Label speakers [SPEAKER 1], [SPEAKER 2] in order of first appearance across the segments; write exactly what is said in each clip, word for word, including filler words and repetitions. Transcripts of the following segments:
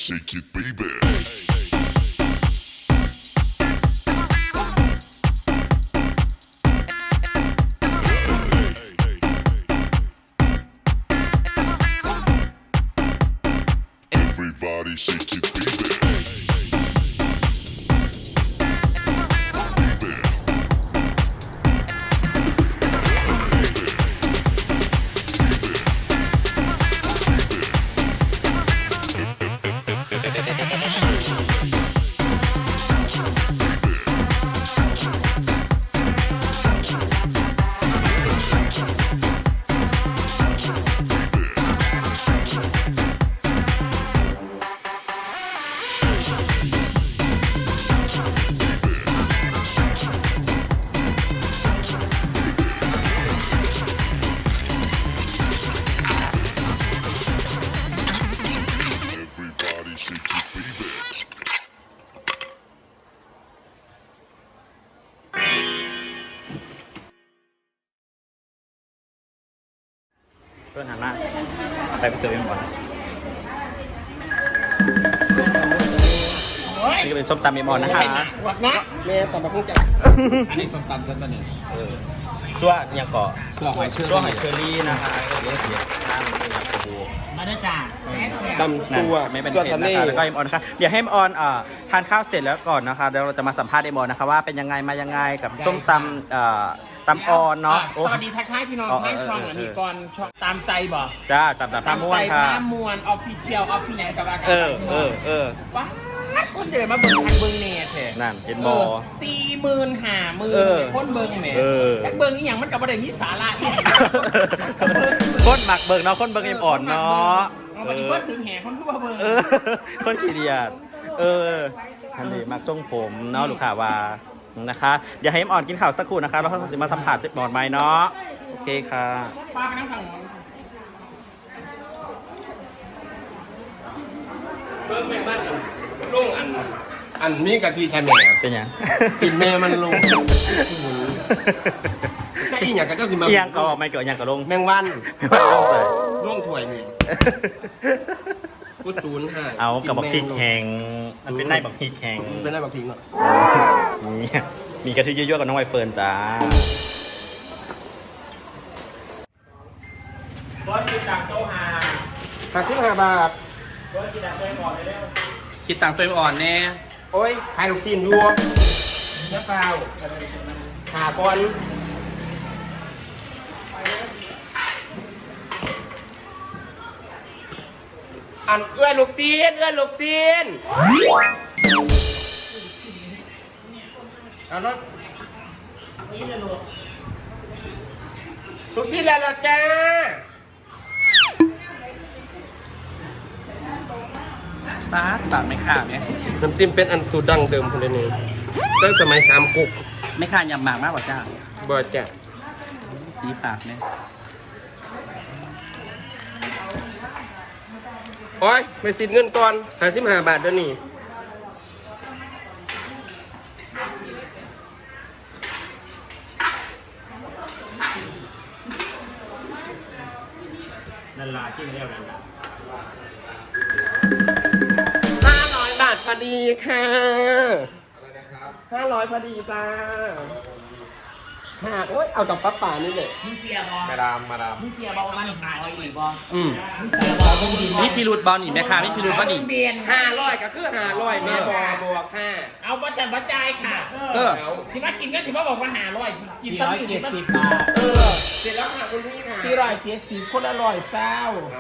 [SPEAKER 1] shake it, baby. Everybody shake it, baby.
[SPEAKER 2] เพื่อนหันหน้าเอาไปไปเสิร์ฟเองก่อนนี่ก็เป็นส้มตำเมมอนนะคะ
[SPEAKER 3] หวัดนะแม่ต่อมาเพิ่งจัดอันนี้ส้มตำชั้นตอนนี้เออ
[SPEAKER 2] ชั่วยังเกาะ
[SPEAKER 3] ชั่วหอยเชอรี่
[SPEAKER 2] ชั่วหอยเชอรี่นะคะเดี๋ยวเดี๋ยวน้ำเป็นแบบโอ้
[SPEAKER 3] มาได้จ้า
[SPEAKER 2] ตำชั่วไม่เป็นเผ็ดนะคะแล้วก็เอ็มออนนะคะเดี๋ยวให้เอ็มออนอ่าทานข้าวเสร็จแล้วก่อนนะคะเดี๋ยวเราจะมาสัมภาษณ์เอ็มออนนะคะว่าเป็นยังไงมายังไงกับส้มตำอ่าตำออนเนาะ
[SPEAKER 3] สวัสดีทักทายพี่น้องทางช่องอันนี้ก่อนช่องตามใจบ่
[SPEAKER 2] จ้าตามตามม้วนค่ะ
[SPEAKER 3] ตามมวนออฟฟิเชียลออฟฟิเชียลกับอาการ
[SPEAKER 2] เออเออเออ
[SPEAKER 3] ว้าคนเดินมาเบิ่งทางเบิ่งเน็ตแท้
[SPEAKER 2] นั่นเห็นบอ
[SPEAKER 3] สี่หมื่นห้าหมื่นคนเบิ่งแหมแต่เบิ่งนี่อย่างมันกับประเด็นนี้สาระอีก
[SPEAKER 2] คนหมักเบิ่งเนาะคนเบิ่งเอ็มอ่อนเนาะ
[SPEAKER 3] ปฏิบัติถึงแห่คนขึ้นมาเบิ่ง
[SPEAKER 2] คนขี้เดียดเออทันทีมักทรงผมเนาะลูกค้าว่านะคะเดี๋ยวให้เอ็มอ่อนกินข่าวสักครู่นะคะแล้วเราจะมาสัมผัสสิบบอร์ดไม้เนาะโอเคค่ะ
[SPEAKER 3] ป้าไปนั่งฝั่งเบิ่งแม่บ้านลุงอันอันนี้กะทิใช่ไหม
[SPEAKER 2] เป็นยัง
[SPEAKER 3] ติดแม่มันลงจะอีหยังกับเจ้าสิมา
[SPEAKER 2] อีหยังก็ไม่เกิดยังกับลง
[SPEAKER 3] แมงวันล่วงถ้วยนี่กูศูนย์ห้า
[SPEAKER 2] เอากับบักพริกแข็งมันเป็นได้บักพริกแข็ง
[SPEAKER 3] เป็นได้บักพริกเนาะ
[SPEAKER 2] มีมีกะทิเยอะๆกับน้องไวเฟิร์นจ้าบอสคิดตังโต๊ะหา
[SPEAKER 3] ห้าสิบห้าบาท
[SPEAKER 2] บอสคิดตังโต๊ะอ่อนเลยเร็วคิดตังโต๊ะอ่อนแน่
[SPEAKER 3] โอ้ยไข่ลูกซีนรวมเนื้อเปล่าหาก่อนอันเอื้อนลูกซีนเอื้อนลูกซีนเอาละลูกซีนแล้วจ้า
[SPEAKER 2] ปาดปาดไม่ขาดไหม
[SPEAKER 3] น้ำจิ้มเป็นอันสูตรดั้งเดิมคนเดียวตั้งสมัยสามกุก
[SPEAKER 2] ไม่ขาดยำหมากมากกว่าจ้า
[SPEAKER 3] บ่จ้ะ
[SPEAKER 2] สีปากเนี่ย
[SPEAKER 3] โอ้ยไปสินเงินก่อนหาสิบห้าบาทเดี๋ยวนี้
[SPEAKER 2] นันลาที่เรียกนันลา
[SPEAKER 3] ห้าร้อยบาทพอดีค่ะห้าร้อยพอดีจ้าหาโอ้ยเอากับป้าป่านี่เลย
[SPEAKER 4] มึงเสียบอ
[SPEAKER 3] มาดามมาดาม
[SPEAKER 4] มึงเสียบอมันหายหรือบอ
[SPEAKER 2] อืม
[SPEAKER 4] มึงเสียบอมึงดี
[SPEAKER 2] นี่พิรุธบอลนี่แม่ค้านี่พิรุธบอลนี่
[SPEAKER 4] เบียน
[SPEAKER 3] ห้าร้อยก็คือห้าร้อยแม่บอบวกห้า
[SPEAKER 4] เอาประจันประจายค่ะ
[SPEAKER 2] เออ
[SPEAKER 4] ที่มากินกันที่มาบอกว่าหาร้อยกินสักหนึ่งสิบบาท
[SPEAKER 3] เออเสร็จแล้วค่ะคุณพี่ค่ะ
[SPEAKER 4] สี่ร้อยเจ็ดสิบคนละร้อยเศร้า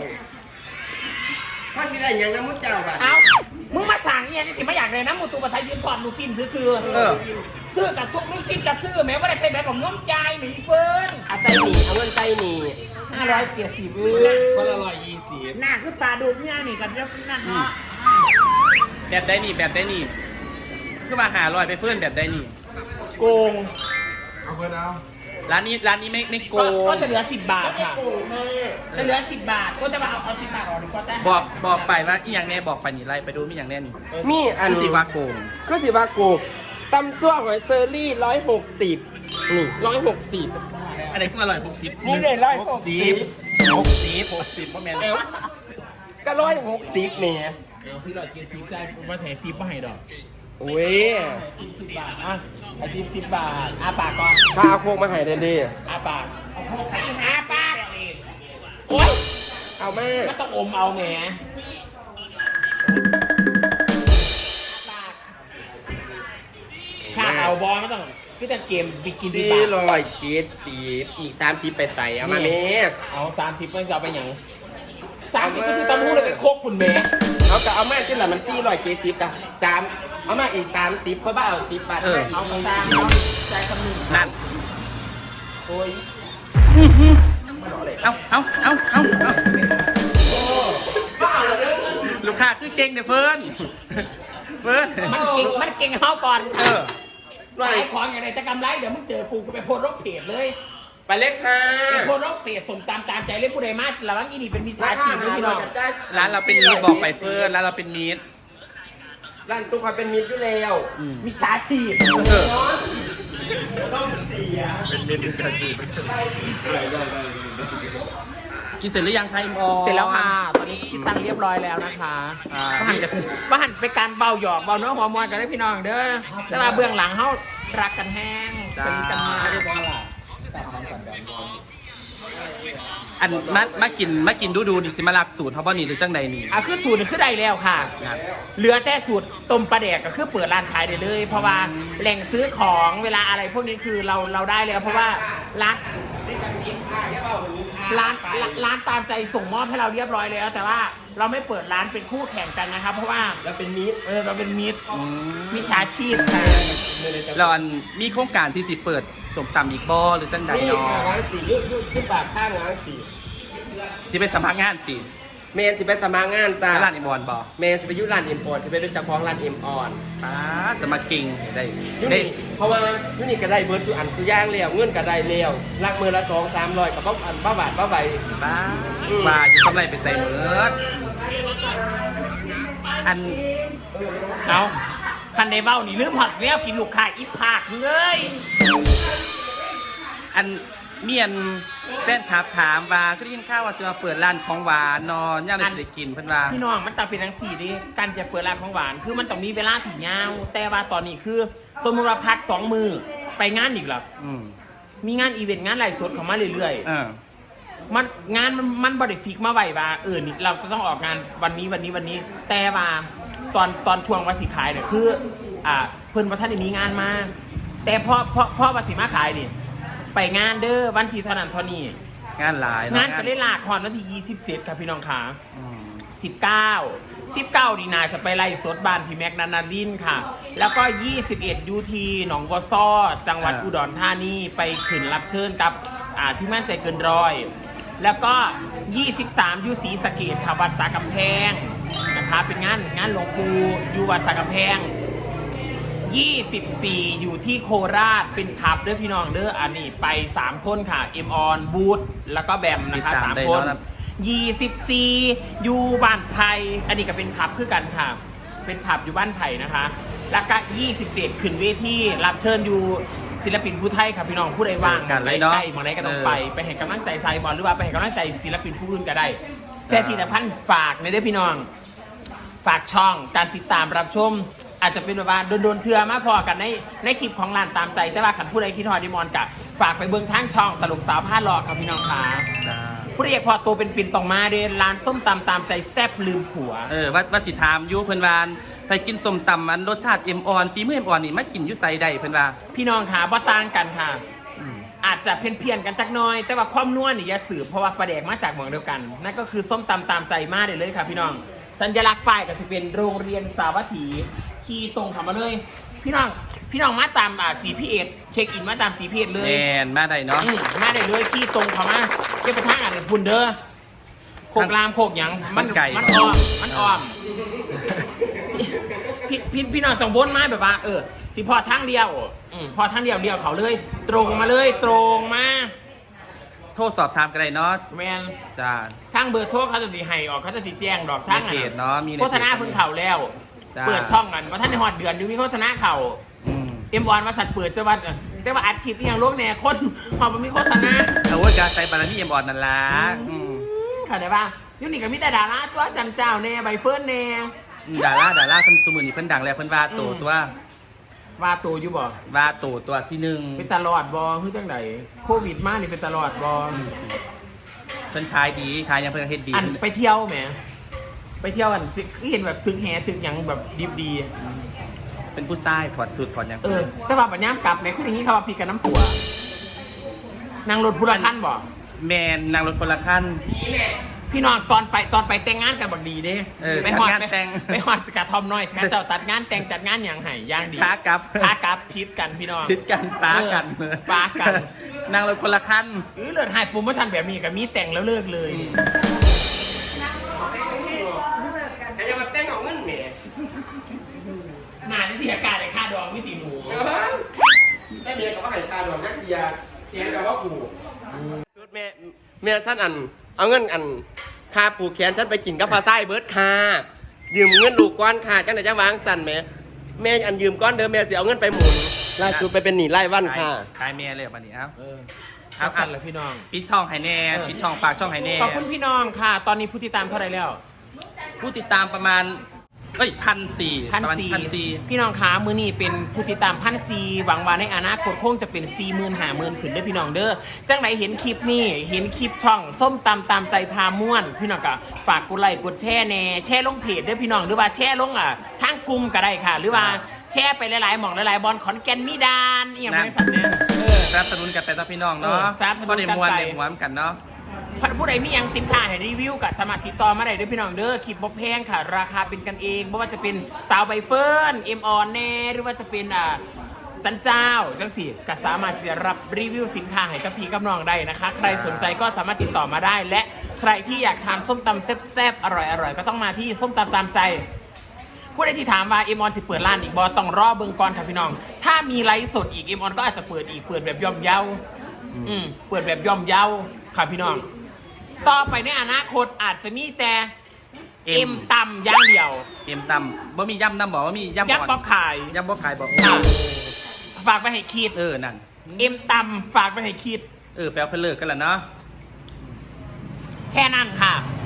[SPEAKER 3] ถ้าสิได้ยังน้ำมุ้งเจ้าค่ะ
[SPEAKER 4] เอามึงมาสั่งเนี่ยที่มาอยากเลยนะมูตูภาษายืนถอดลูกชิ้นซื้อซื้อกับทุกลูกชิ้นกับซื้อแม้ว่าได้ใช้แบบของน้องใจหนีเฟิร์น
[SPEAKER 3] เอาใจหนีเอาเงินใจหนี
[SPEAKER 4] ห้าร้อยเจ็ดสิบ
[SPEAKER 3] คนละร้อยยี่สิบ
[SPEAKER 4] หน้าคือปลาดุกเนี่ยนี่กับเจ้านั่นเนาะ
[SPEAKER 2] แบบได้นี่แบบได้นี่คือมาหาลอยไปเฟิร์นแบบได้นี่โกง
[SPEAKER 3] เอาเพื่อนเอา
[SPEAKER 2] ร้านนี้ร้านนี้ไม่ไม่โกง
[SPEAKER 4] ก็จะเหลือสิบบาทค่ะจะเหลือสิบบาทก็จะมาเอาเอาสิบบาทออกดีกว่าจ้า
[SPEAKER 2] บอกบอกไปว่าอีอย่างแน่บอกไปนี่ไล่ไปดูมีอย่างแน่นี่
[SPEAKER 3] มีอัน
[SPEAKER 2] สิว่าโกง
[SPEAKER 3] ก็สิว่าโกงตำซั่วหอยเซอรี่ร้อยหกสิบนี่ร้อยหกสิบ
[SPEAKER 2] อันไหนขึ้นมาร้อยหกสิบ
[SPEAKER 3] นี่เลยร้อยหกสิบ
[SPEAKER 2] หกสิบหกสิบเพราะแม่
[SPEAKER 3] ก็ร้อยหกสิบเนี่ย
[SPEAKER 4] เอาสี่ร้อยเจ็ดสิบได้ว่าใช้ทิปว่าให้ดอก
[SPEAKER 3] อุ้ย
[SPEAKER 4] ทิปสิบบาทอ่ะไอทิปสิบบาทอาปากก่อน
[SPEAKER 3] ถ้าเอาพวกมาให้เดนดี
[SPEAKER 4] อาปากเอาพวกใส่หาปากโอ๊ย
[SPEAKER 3] เอาแม่
[SPEAKER 4] ก็ต้องอมเอาแหมข้าเอาบอลไม่ต้องคือแต่เกมบิกินดี
[SPEAKER 3] สี่
[SPEAKER 4] บาท
[SPEAKER 3] ร้อยเจ็ดสิบอีกสามสิบไปใส่เอามา
[SPEAKER 4] นี่
[SPEAKER 3] เนี้
[SPEAKER 4] เอาสามสิบเพื่อนจะเอาไปหยังสามสิบก็คือตำหูเลยไปโคกคุณแม่
[SPEAKER 3] เอาก็เอามาที่หลังมันสี่ร้อยเจ็ดสิบกับสามเอามาอีกสามสิบเพราะว่าเอาสิบบาทมาอีก
[SPEAKER 4] เอา
[SPEAKER 3] นี่
[SPEAKER 4] สามเอาใจคำนึง
[SPEAKER 2] นั่น
[SPEAKER 4] โอ้ย
[SPEAKER 2] เอาเอาเอาเอาเอาลูกค้าคือเก่งเดี๋ยวเพิ่นเพิ่น
[SPEAKER 4] มันเก่งมันเก่งเข้าก่อน
[SPEAKER 2] เออ
[SPEAKER 4] ขายของอย่างไรจะกำไรเดี๋ยวมึงเจอกูก็ไปโพสต์รกเพจเลย
[SPEAKER 3] ไปเล็กค่ะ
[SPEAKER 4] ไปโพสต์รกเพจส่งตามตามใจเลยผู้ใดมาระวังอีนี่เป็นมิจฉาชีพนะพี่น้อง
[SPEAKER 2] ร้านเราเป็นมีดบอกไปเพิ่นร้านเราเป็นมีด
[SPEAKER 3] ร้านตุ๊กคอยเป็นมิตรอยู่แล้ว
[SPEAKER 2] อืม
[SPEAKER 4] มิจฉาชีพ
[SPEAKER 2] เออ กินเสร็จหรือยังคะอิมออน
[SPEAKER 4] เสร็จแล้วค่ะ ตอนนี้คิดตังค์เรียบร้อยแล้วนะคะ
[SPEAKER 2] อ่า
[SPEAKER 4] บ้านจะบ้านเป็นการเบาหยอกเบาเนื้อหัวมวลกันได้พี่น้องเด้อแต่ว่าเบื้องหลังเขารักกันแห้งสนิทกันมาก
[SPEAKER 2] อันมามากินมากินดูดูดิสิมาลักสูตรเขาบ่นี่หรือจังใดนี่
[SPEAKER 4] อ่ะคือสูตรนี่คือได้แล้วค่ะ
[SPEAKER 2] ครับ
[SPEAKER 4] เหลือแต่สูตรต้มปลาแดกก็คือเปิดร้านขายได้เลย เพราะว่าแหล่งซื้อของเวลาอะไรพวกนี้คือเราเราได้แล้ว เพราะว่าร้านร้านร้านร้านตามใจส่งมอบให้เราเรียบร้อยแล้ว แต่ว่าเราไม่เปิดร้านเป็นคู่แข่งกันนะครับ เพราะว่า
[SPEAKER 3] แล้วเป็นมิตร
[SPEAKER 4] เออเราเป็นมิตรมิจฉาชีพค่ะ
[SPEAKER 2] แล้วอันมีโครงการที่สิเปิดสมตำอีกบ่หรือจังใด
[SPEAKER 3] นี่
[SPEAKER 2] เนาะ
[SPEAKER 3] ค่ะร้านสี่ยุยุยุปากข้างร้านสี่
[SPEAKER 2] สิไปสัมภาษณ์งานสิ
[SPEAKER 3] เมนสิไปสมัครงานจ้า
[SPEAKER 2] แล้วร้านอิมออนบ่
[SPEAKER 3] เมนสิไปอยุร้านเอ็มออนสิไปเป็นเจ้าของร้านเอ็มออน
[SPEAKER 2] ป้าจะมาเก่งได้
[SPEAKER 3] ยุ
[SPEAKER 2] ได้
[SPEAKER 3] นี่เพราะว่ายุนี่ก็ได้เบิร์ดสุอันสุย่างเลี้ยวเงื่อนก็ได้เลี้ยวลักมือละสองสามร้อยกับบ้าอันบ้าบาทบ้าใบ
[SPEAKER 2] ป้าว่าอยู่กำไรไปใส่เมิดอัน
[SPEAKER 4] เอาคันในเบ้านี่ลืมหัดแล้วกินลูกค้าอีภาคเลย
[SPEAKER 2] อันเมียนแฟนคลับถามว่าคือได้ยินข่าวว่าสิมาเปิดร้านของหวานเนอนย่างได้สิได้กินเพิ่นว่า
[SPEAKER 4] พี่น้องมันต้องเป็นทั้งสี่ดิการจะเปิดร้านของหวานคือมันต้องมีเวลาถี่ยาวแต่ว่าตอนนี้คือสมมติว่าพักสองมือไปงานอีกหรอ
[SPEAKER 2] อืม
[SPEAKER 4] มีงานอีเวนต์งานไลฟ์สดเข้ามาเรื่อย
[SPEAKER 2] เออ
[SPEAKER 4] ๆมันงานมันมันบริฟิกมาไว้ว่าเออนี่เราจะต้องออกงานวันนี้วันนี้วันนี้ แต่ว่าตอนตอนทวงวันสิขายเนี่ยคืออ่าเพิ่นว่าท่านได้มีงานมาแต่พอพอพอวันสิมาขายนี่ไปงานเด้อวันที่เท่านั้นเท่านี้
[SPEAKER 2] งานหลายเะ
[SPEAKER 4] งานก็ได้ลากคอนวันที่ยี่สิบเจ็ดครับพี่น้องขา
[SPEAKER 2] อืม
[SPEAKER 4] สิบเก้า สิบเก้าดีนาจะไปไล่สดบ้านพี่แม็กนันนาดินค่ะ แล้วก็ยี่สิบเอ็ดยูทีหนองบัวซ้อจังหวัดอุดรธานีไปขึ้นรับเชิญกับอ่าที่มั่นใจเกินร้อย แล้วก็ยี่สิบสามยูศรีสะเกษค่ะวัดสากำแพงนะคะเป็นงานงานหลวงปู่อยู่วัดสากำแพงยี่สิบสี่อยู่ที่โคราชเป็นพับเด้อพี่น้องเด้ออันนี้ไปสามคนค่ะเอ็มออนบูธแล้วก็แบมนะคะสามคนยี่สิบสี่อยู่บ้านไผ่อันนี้ก็เป็นพับคือกันค่ะเป็นพับอยู่บ้านไผ่นะคะแล้วก็ยี่สิบเจ็ดขึ้นเวทีรับเชิญอยู่ศิลปินผู้ไทยค่ะพี่น้องผู้ใดว่างใกล้ๆมองไหนก็ต้องไปไปให้กำลังใจไซบอลหรือว่าไปให้กำลังใจศิลปินผู้อื่นก็ได้แต่ที่สำคัญฝากในเด้อพี่น้องฝากช่องการติดตามรับชมอาจจะเป็นแบบว่าโดนๆเทือมาพอกันในในคลิปของร้านตามใจแต่ว่าขันผู้ใดคิดฮอดดิมอนกับฝากไปเบื้องทางช่องตลกสาวผ้าหลอกครับพี่น้องค่ะ
[SPEAKER 2] จ้า
[SPEAKER 4] ผู้ใดอยากพอตัวเป็นปิ่นต้องมาเด้ร้านส้มตำตามใจแซ่บลืมผัว
[SPEAKER 2] เออว่าว่าสิถามอยูเพิ่นวาไปกินส้มตำอันรสชาติเอ็มออนฝีมือเอ็มออนนี่มากินอยุไซใดเพิ่นว่า
[SPEAKER 4] พี่น้องค่ะบ่ต่างกันค่ะ
[SPEAKER 2] อืม
[SPEAKER 4] อาจจะเพี้ยนเพียนๆกันจักหน้อย แต่ว่าความนัวนี่อย่าสืบเพราะว่าปลาแดกมาจากเมืองเดียวกันนั่นก็คือส้มตำตามใจมาได้เลยค่ะพี่น้องสัญลักษณ์ป้ายก็จะเป็นโรงเรียนสาวัตถีขี่ตรงเข้ามาเลย พี่น้องพี่น้องมาตามอ่า จี พี เอส เช็คอินมาตาม จี พี เอส เลย
[SPEAKER 2] แมนมาได้เนาะ
[SPEAKER 4] อืมมาได้เลยขี่ตรงเข้ามาเก็บไปทางอ่านพุ่นเด้อโคกรามโคกหยังมันมันอ้อมมันอ้อมพี่พี่พี่น้องต้องวนมาแบบว่าเออสิพอทางเดียวอืมพอทางเดียวเดียวเขาเลย ตรงมาเลยตรงมา
[SPEAKER 2] โทษสอบถามกันได้เนาะ
[SPEAKER 4] แมน
[SPEAKER 2] จ้า
[SPEAKER 4] ทางเบอร์โทรเขาจะตีให้ออกเขาจะตีแจ้งดอกทาง
[SPEAKER 2] ในเพจเนาะมีในเพจ
[SPEAKER 4] โฆษณาเพิ่งเข่าแล้ว
[SPEAKER 2] จ้า
[SPEAKER 4] เปิดช่องกันว่าท่านในหอดเดือนอยู่มีโฆษณาเข่า
[SPEAKER 2] อืม
[SPEAKER 4] เอ็มวอนมาสัตว์เปิดจะว่าแต่ว่าอัดคลิปอหย่างโลกแน่คนหอบมันมีโฆษณา
[SPEAKER 2] เอาไว้การใส่บารมีเอ็มออนนั่นล่ะอืม
[SPEAKER 4] เข้าใจป่ะยูนี่ก็มีแต่ดาราตัวจันเจ้าแน่ใบเฟิร์นแน่
[SPEAKER 2] ดาราดาราเพิ่นสมุนนี่เพิ่นดังแล้วเพิ่นว่าโตตัว
[SPEAKER 4] ว่าตัวอยู่บ่
[SPEAKER 2] ว่าโตตัวที่หนึ่ง
[SPEAKER 4] เป็นตลอดบ่คือจังไดโควิดมานี่เป็นตลอดบ่
[SPEAKER 2] เพิ่นขายดีขายยังเพิ่นเฮ็ดดี
[SPEAKER 4] อันไปเที่ยวแหมไปเที่ยวกันคือเห็นแบบตึกแหตึกหยังแบบดิบดี
[SPEAKER 2] เป็นผู้ชายถอดสูทถอดหยัง
[SPEAKER 4] เออแต่ว่าบัดยามกลับแหมคืออย่างนี้เขาว่าพี่กับน้ำผัวนั่งรถผู้ละคันบ่
[SPEAKER 2] แมนนางรถคนละขั้น
[SPEAKER 4] พี่น้องตอนไปตอนไปแต่งงานกันบักดีเด้
[SPEAKER 2] เออ
[SPEAKER 4] ไปหอด
[SPEAKER 2] จัดงาน
[SPEAKER 4] ไป
[SPEAKER 2] แต่ง
[SPEAKER 4] ไปหอดกระทอมน้อยแทนเจ้าตัดงานแต่งจัดงานอย่างไห้ย่างดี
[SPEAKER 2] ขากลับ
[SPEAKER 4] ขากลับพิษกันพี่น้อง
[SPEAKER 2] พิดกันป้ากัน
[SPEAKER 4] เออป้ากัน
[SPEAKER 2] นางรถคนละขั้น
[SPEAKER 4] เออเลือดหายโปรโมชั่นแบบนี้กับมีแต่งแล้วเลิกเลย
[SPEAKER 3] ไอ้ยังมาแต่งของเงินแหม่
[SPEAKER 4] นานที่อาการในค่าดองวิตีหมู
[SPEAKER 3] แม่เมียกับว่าหายตาดวงนักเทียเทียนกับว่าปู่สุดแม่แม่ฉันอัน เอาเงินอันค่าปูแขนฉันไปกินกับพาไส้เบิร์ดค่ะยืมเงินลูกก้อนค่ะจังไหนจะวางสั่นแม่แม่อันยืมก้อนเดิมแม่เสียเอาเงินไปหมุนล่าสุดไปเป็นหนีไล่วันค่ะ
[SPEAKER 2] ขายเมียเลยบัดนี้เอ้า
[SPEAKER 4] เออ
[SPEAKER 2] เอา
[SPEAKER 4] เอาสั่นเลยพี่น้อง
[SPEAKER 2] ปิดช่องไฮแน่
[SPEAKER 4] เออ
[SPEAKER 2] ปิดช่องปากช่องไฮแน่
[SPEAKER 4] ขอบคุณพี่น้องค่ะ ตอนนี้ผู้ติดตามเท่าไหร่แล้ว
[SPEAKER 2] ผู้ติดตามประมาณเอ้ยพันสี่
[SPEAKER 4] พัน
[SPEAKER 2] ประมาณ
[SPEAKER 4] สี่
[SPEAKER 2] พันสี่
[SPEAKER 4] พี่น้องคะมือนี้เป็นผู้ติดตามพันสี่หวังว่าในอนาคตคงจะเป็นสี่หมื่นห้าหมื่นขึ้นเด้อพี่น้องเด้อจังไหนเห็นคลิปนี้เห็นคลิปช่องส้มตำตามใจพาม่วน พี่น้องก็ฝากกดไลค์กดแชร์แน่แชร์ลงเพจเด้อพี่น้องหรือว่าแชร์ลงอ่ะทางกลุ่มก็ได้ค่ะ หรือว่าแชร์ไปหลายๆหม่องหลายๆบอลขอนแก่นมีดานอีอย่างไรสัตว์เนี่ยเออ
[SPEAKER 2] สนับสนุนกันไปต่อพี่น้อง
[SPEAKER 4] เอ
[SPEAKER 2] เนาะ
[SPEAKER 4] อสนับสนุน
[SPEAKER 2] ก็ได้
[SPEAKER 4] กัน
[SPEAKER 2] มวน
[SPEAKER 4] ไป
[SPEAKER 2] ได้มวนกันเนาะ
[SPEAKER 4] ผู้ใดมียังสินค้าให้รีวิวกับสามารถติดต่อมาได้เด้อพี่น้องเด้อคลิปบ่แพงค่ะ ราคาเป็นกันเองไม่ว่าจะเป็นสาวใบเฟิร์นเอ็มออนแน่หรือว่าจะเป็นอ่าสันเจ้าจังสิก็สามารถที่จะรับรีวิวสินค้าให้กับพี่กับน้องได้นะคะ ใครสนใจก็สามารถติดต่อมาได้ และใครที่อยากทานส้มตำแซ่บๆอร่อยๆก็ต้องมาที่ส้มตำตามใจ ผู้ใดที่ถามว่าเอ็มออนสิเปิดร้านอีกบอต้องรอเบิ่งก่อนค่ะพี่น้อง ถ้ามีไลฟ์สดอีกเอ็มออนก็อาจจะเปิดอีกเปิดแบบย่อมเยาอืมเปิดแบบย่อมเยาค่ะพี่น้อง ต่อไปในอนาคตอาจจะมีแต่เอ็มตำอย่างเดียว
[SPEAKER 2] เอ็มตำบ่มีย่ำน้ำบอกว่ามีย่ำ
[SPEAKER 4] ยักษ์
[SPEAKER 2] ก่
[SPEAKER 4] บ
[SPEAKER 2] อ
[SPEAKER 4] อน กขาย
[SPEAKER 2] ย่ำบ่ขายบอก
[SPEAKER 4] อ่ะฝากไปให้คิด
[SPEAKER 2] เออนั่น
[SPEAKER 4] เอ็มตำฝากไปให้คิด
[SPEAKER 2] เออแปลว่าเพิ่นเลิกกันแล้วเนาะ
[SPEAKER 4] แค่นั้นค่ะ